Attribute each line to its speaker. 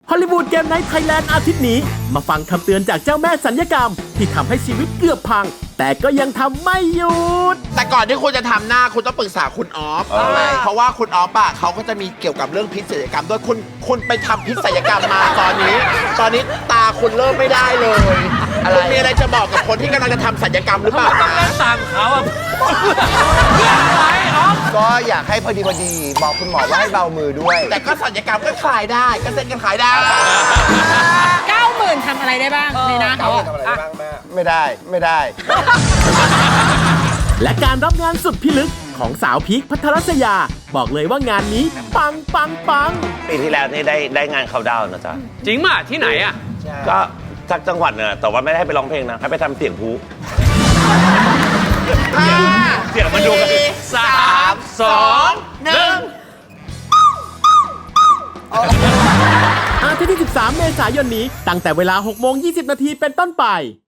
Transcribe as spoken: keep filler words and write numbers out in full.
Speaker 1: ฮอลลีวูดเกมไนท์ไทยแลนด์อาทิตย์นี้มาฟังคำเตือนจากเจ้าแม่สัญญกรรมที่ทำให้ชีวิตเกือบพังแต่ก็ยังทำไม่หยุด
Speaker 2: แต่ก่อนที่คุณจะทำหน้าคุณต้องปรึกษาคุณออฟเพราะว่าคุณออฟอะเขาก็จะมีเกี่ยวกับเรื่องพิษศัลยกรรมด้วยคุณคุณไปทำพิษศัลยกรรมมาตอนนี้ ตอนนี้ตาคุณเริ่มไม่ได้เลยคุณมีอะไรจะบอกกับคนที่กำลังจะทำศัลยกรรมหรือเปล่า
Speaker 3: ต้องเล่นตามเขาอ่ะเพื่ออะไรอ๋อ
Speaker 4: ก็อยากให้พอดีพอดีบอกคุณหมอว่าให้เบามือด้วย
Speaker 2: แต่ก็ศัลยกรรมก็ขายได้ก็เซ็นกันขายได้
Speaker 5: เก้าหมื่นทำอะไรได้บ้างในนะ
Speaker 4: เขาทำอะไรได้บ้างแม่ไม่ได้ไม่ได้
Speaker 1: และการรับงานสุดพิลึกของสาวพีคพัทรศยาบอกเลยว่างานนี้ปังปังปัง
Speaker 6: ปีที่แล้วนี่ได้ได้งานเขาดาวน์นะจ๊ะ
Speaker 3: จริงป่ะที่ไหนอ่ะ
Speaker 6: ก็ทักจังหวัดเนี่ยแต่ว่าไม่ได้ให้ไปร้องเพลงนะ ให้ไปทำเสียงพูเสียงมันดูกัน
Speaker 3: สามสองหนึ่ง
Speaker 1: อาทิตย์ที่สิบสามเมษายนนี้ตั้งแต่เวลาหกโมงยี่สิบนาทีเป็นต้นไป